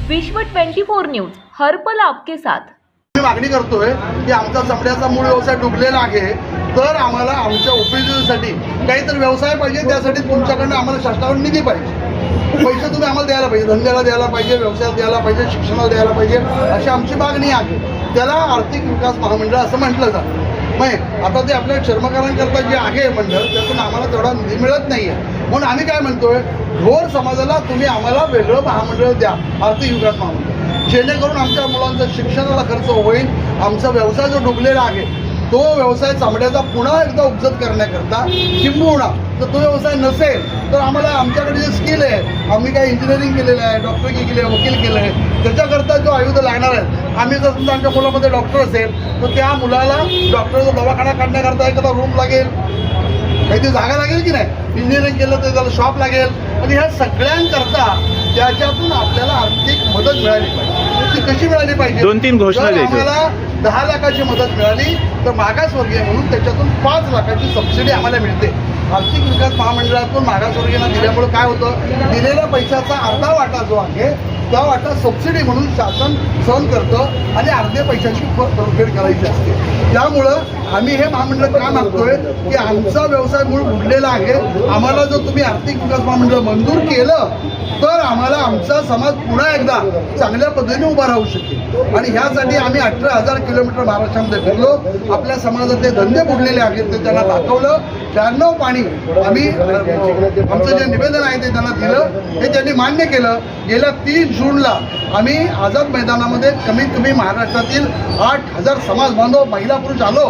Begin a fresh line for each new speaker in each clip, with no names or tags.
विश्व 24 न्यूज हर पल आपके साथ।
मी मागणी करतोय की आमचा चमड्याचा मूळ व्यवसाय डुबलेला आहे, तर आम्हाला आमच्या उपजीविकेसाठी काहीतरी व्यवसाय पाहिजे। त्यासाठी तुमच्याकडनं आम्हाला शासनाकडून निधी पाहिजे, पैसे तुम्ही आम्हाला द्यायला पाहिजे, धंद्याला द्यायला पाहिजे, व्यवसायाला द्यायला पाहिजे, शिक्षणाला द्यायला पाहिजे, अशी आमची मागणी आहे। त्याला आर्थिक विकास महामंडळ असं म्हटलं जातं। मग आता ते आपल्या चर्मकारांकरता जे आहे मंडळ, त्यातून आम्हाला तेवढा निधी मिळत नाही आहे। म्हणून आम्ही काय म्हणतोय, ढोर समाजाला तुम्ही आम्हाला वेगळं महामंडळ द्या, आर्थिक विकास महामंडळ, जेणेकरून आमच्या मुलांचं शिक्षणाला खर्च होईल। आमचा व्यवसाय जो डुबलेला आहे तो व्यवसाय चामड्याचा पुन्हा एकदा उपजत करण्याकरता, किंबहुना जर तो व्यवसाय नसेल तर आम्हाला आमच्याकडे जे स्किल आहे, आम्ही काय इंजिनिअरिंग केलेलं आहे, डॉक्टरकी केली आहे, वकील केलं आहे, त्याच्याकरता जो आयुध लागणार आहे, आम्ही जर समजा आमच्या मुलामध्ये डॉक्टर असेल तर त्या मुलाला डॉक्टरचा दवाखाना काढण्याकरता एखादा रूम लागेल, काहीतरी जागा लागेल की नाही, इंजिनिअरिंग केलं तर त्याला शॉप लागेल, आणि ह्या सगळ्यांकरता त्याच्यातून आपल्याला आर्थिक मदत मिळाली पाहिजे। ती कशी मिळाली पाहिजे?
2-3 घोषणा द्यायच्या।
आम्हाला 10 लाखाची मदत मिळाली तर मागासवर्गीय म्हणून त्याच्यातून 5 लाखाची सबसिडी आम्हाला मिळते। आर्थिक विकास महामंडळातून मागासवर्गीयांना दिल्यामुळे काय होतं, दिलेल्या पैशाचा अर्धा वाटा जो आहे त्या वाटा सबसिडी म्हणून शासन सहन करतं आणि अर्ध्या पैशाची परतफेड करायची असते। त्यामुळं आम्ही हे महामंडळ का मागतोय की आमचा व्यवसाय मूळ बुडलेला आहे, आम्हाला जर तुम्ही आर्थिक विकास महामंडळ मंजूर केलं तर आम्हाला आमचा समाज पुन्हा एकदा चांगल्या पद्धतीने उभा राहू शकेल। आणि ह्यासाठी आम्ही 18,000 किलोमीटर महाराष्ट्रामध्ये फिरलो, आपल्या समाजातले धंदे बुडलेले आहेत ते त्यांना दाखवलं, 92 पाणी आम्ही आमचं जे निवेदन आहे ते त्यांना दिलं, हे त्यांनी मान्य केलं। गेल्या 30 जूनला आम्ही आझाद मैदानामध्ये कमीत कमी महाराष्ट्रातील 8,000 समाज बांधव, महिला पुरुष आलो।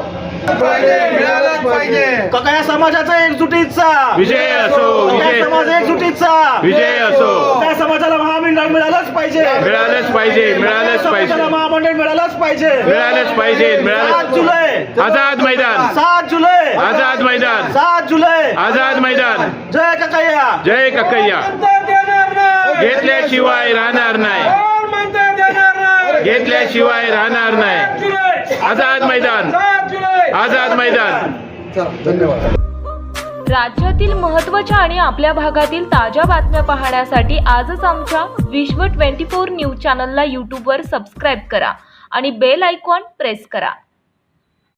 मिळालाच पाहिजे।
ककाया समाजाचा एकजुटीचा
विजय असो, विजय
समाज एकजुटीचा
विजय असो।
त्या समाजाला महामंडळ मिळालंच पाहिजे,
मिळालंच पाहिजे, मिळालंच पाहिजे,
महामंडळ मिळालंच पाहिजे,
मिळालंच पाहिजे,
7 जुलै
आझाद मैदान,
7 जुलै
आझाद मैदान,
7 जुलै
आझाद मैदान।
जय ककाया,
जय कक्कय्या। घेतल्याशिवाय राहणार नाही, घेतल्याशिवाय राहणार नाही। आझाद मैदान, आझाद मैदान।
धन्यवाद।
राज्यातील महत्त्वाच्या आणि आपल्या भागातील ताज्या बातम्या पाहण्यासाठी आजच आमच्या विश्व 24 न्यूज चॅनलला यूट्यूबवर सबस्क्राईब करा आणि बेल आयकॉन प्रेस करा।